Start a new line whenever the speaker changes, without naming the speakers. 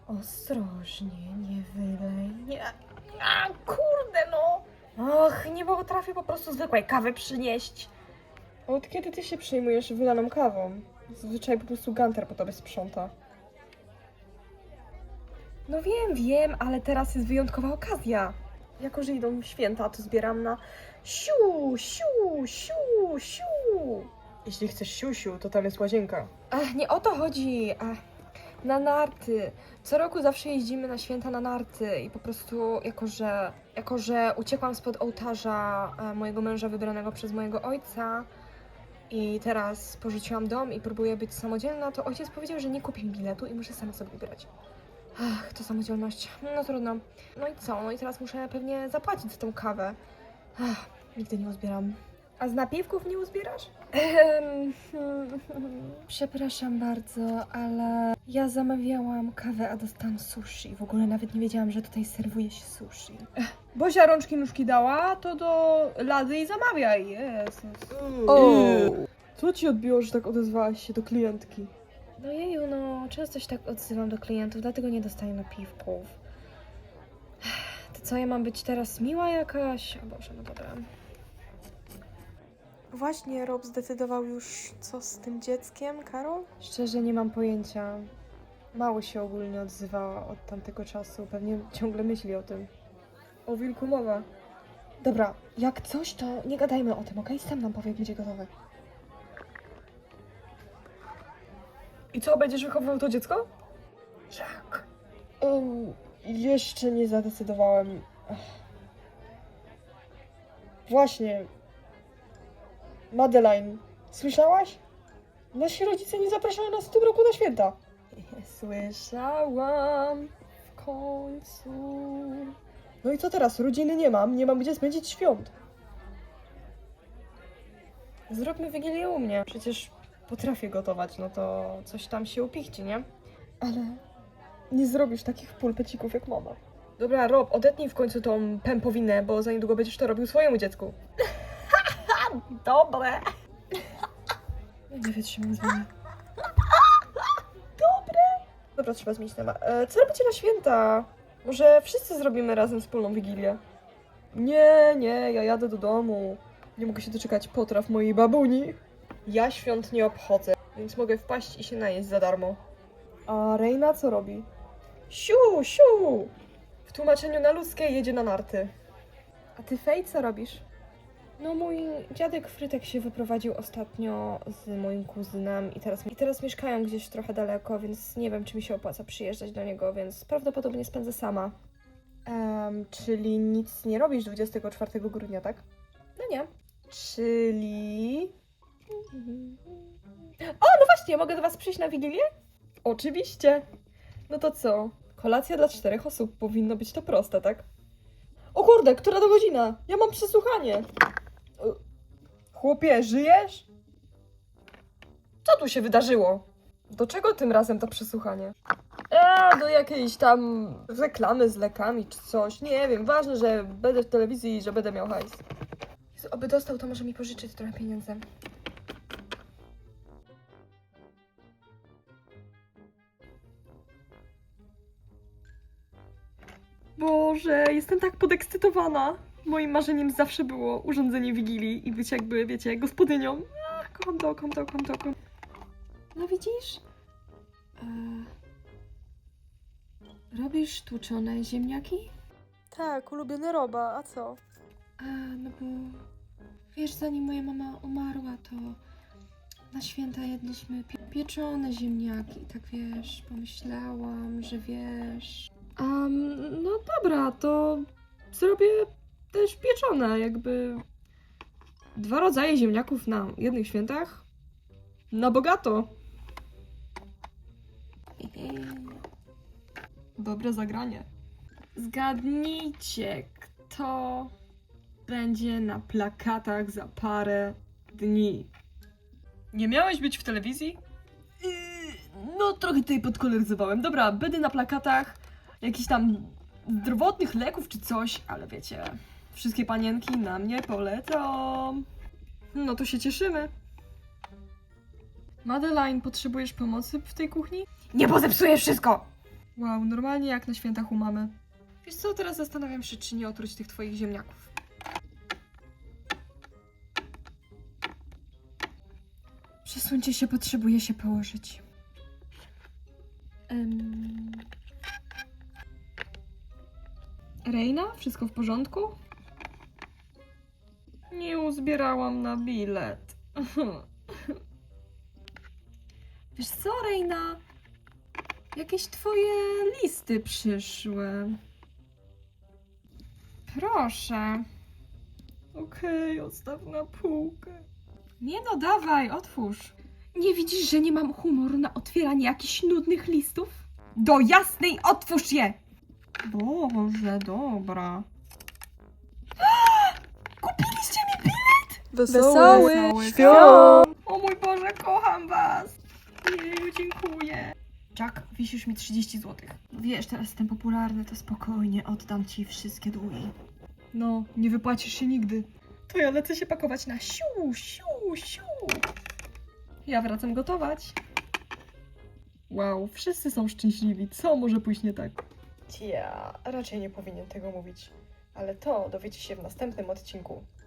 Ostrożnie, nie wylej. Nie. A, kurde no! Och, nie potrafię po prostu zwykłej kawy przynieść.
Od kiedy ty się przejmujesz wylaną kawą? Zazwyczaj po prostu Gunter po tobie sprząta.
No wiem, ale teraz jest wyjątkowa okazja. Jako, że idą święta, to zbieram na siu, siu, siu, siu.
Jeśli chcesz siusiu, to tam jest łazienka.
Ach, nie o to chodzi. Ach, na narty. Co roku zawsze jeździmy na święta na narty i po prostu, jako że uciekłam spod ołtarza mojego męża wybranego przez mojego ojca i teraz porzuciłam dom i próbuję być samodzielna, to ojciec powiedział, że nie kupi mi biletu i muszę sama sobie wybrać. Ach, to samodzielność. No trudno. No i co? No i teraz muszę pewnie zapłacić za tą kawę. Ach, nigdy nie uzbieram. A z napiwków nie uzbierasz? Przepraszam bardzo, ale ja zamawiałam kawę, a dostałam sushi. W ogóle nawet nie wiedziałam, że tutaj serwuje się sushi.
Bozia rączki nóżki dała, to do lady i zamawiaj. Jezus. Co ci odbiło, że tak odezwałaś się do klientki?
No jeju, no często się tak odzywam do klientów, dlatego nie dostaję napiwków. To co, ja mam być teraz miła jakaś? O Boże, no dobra.
Właśnie Rob zdecydował już, co z tym dzieckiem, Karol?
Szczerze nie mam pojęcia. Mało się ogólnie odzywała od tamtego czasu. Pewnie ciągle myśli o tym.
O wilku mowa.
Dobra, jak coś, to nie gadajmy o tym, okej? Sam nam powie, jak będzie gotowe.
I co, będziesz wychowywał to dziecko?
Jak?
Jeszcze nie zadecydowałem. Właśnie. Madeline, słyszałaś? Nasi rodzice nie zapraszają nas w tym roku na święta.
Słyszałam w końcu.
No i co teraz? Rodziny nie mam gdzie spędzić świąt.
Zróbmy Wigilię u mnie. Przecież potrafię gotować, no to coś tam się upichci, nie?
Ale nie zrobisz takich pulpecików jak mama.
Dobra, Rob, odetnij w końcu tą pępowinę, bo za niedługo będziesz to robił swojemu dziecku. Dobre.
Ja nie wytrzymam z wami.
Dobra, trzeba zmienić temat. Co robicie na święta? Może wszyscy zrobimy razem wspólną Wigilię?
Nie, ja jadę do domu. Nie mogę się doczekać potraw mojej babuni.
Ja świąt nie obchodzę, więc mogę wpaść i się najeść za darmo.
A Reina co robi?
Siu, siu! W tłumaczeniu na ludzkie jedzie na narty.
A ty, Fej, co robisz?
No mój dziadek Frytek się wyprowadził ostatnio z moim kuzynem i teraz mieszkają gdzieś trochę daleko, więc nie wiem, czy mi się opłaca przyjeżdżać do niego, więc prawdopodobnie spędzę sama.
Czyli nic nie robisz 24 grudnia, tak?
No nie.
Czyli...
O, no właśnie, mogę do was przyjść na Wigilię?
Oczywiście. No to co? Kolacja dla 4 osób. Powinno być to proste, tak? O kurde, która to godzina? Ja mam przesłuchanie. Chłopie, żyjesz?
Co tu się wydarzyło?
Do czego tym razem to przesłuchanie? Do jakiejś tam reklamy z lekami czy coś. Nie wiem, ważne, że będę w telewizji i że będę miał hajs.
Jezu, oby dostał, to może mi pożyczyć trochę pieniędzy.
Boże, jestem tak podekscytowana. Moim marzeniem zawsze było urządzenie Wigilii i być jakby, wiecie, gospodynią. Kocham to, kocham to, kocham to, kocham.
No widzisz? Robisz tłuczone ziemniaki?
Tak, ulubiony Roba, a co?
No bo wiesz, zanim moja mama umarła, to na święta jedliśmy pieczone ziemniaki. Tak wiesz, pomyślałam, że wiesz.
No dobra, to zrobię też pieczone, jakby 2 rodzaje ziemniaków na jednych świętach. Na bogato. Dobre zagranie. Zgadnijcie, kto będzie na plakatach za parę dni. Nie miałeś być w telewizji? No, trochę tutaj podkoloryzowałem. Dobra, będę na plakatach jakichś tam zdrowotnych leków czy coś, ale wiecie, wszystkie panienki na mnie polecą. No to się cieszymy. Madeline, potrzebujesz pomocy w tej kuchni?
Nie, bo zepsujesz wszystko!
Wow, normalnie jak na świętach u mamy. Wiesz co, teraz zastanawiam się, czy nie otruć tych twoich ziemniaków. Przesuńcie się, potrzebuję się położyć. Reina? Wszystko w porządku? Nie uzbierałam na bilet. Wiesz co, Reina? Jakieś twoje listy przyszły. Proszę. Okej, odstaw na półkę. Nie no, dawaj, otwórz. Nie widzisz, że nie mam humoru na otwieranie jakichś nudnych listów? Do jasnej, otwórz je! Boże, dobra. Kupiliście mi bilet?
Wesołych
świąt! O mój Boże, kocham was! Jeju, dziękuję. Jack, wisisz mi 30 zł. Wiesz, teraz jestem popularny, to spokojnie oddam ci wszystkie długi. No, nie wypłacisz się nigdy. To ja lecę się pakować na siu, siu, siu. Ja wracam gotować. Wow, wszyscy są szczęśliwi. Co może pójść nie tak?
Ja raczej nie powinien tego mówić, ale to dowiecie się w następnym odcinku.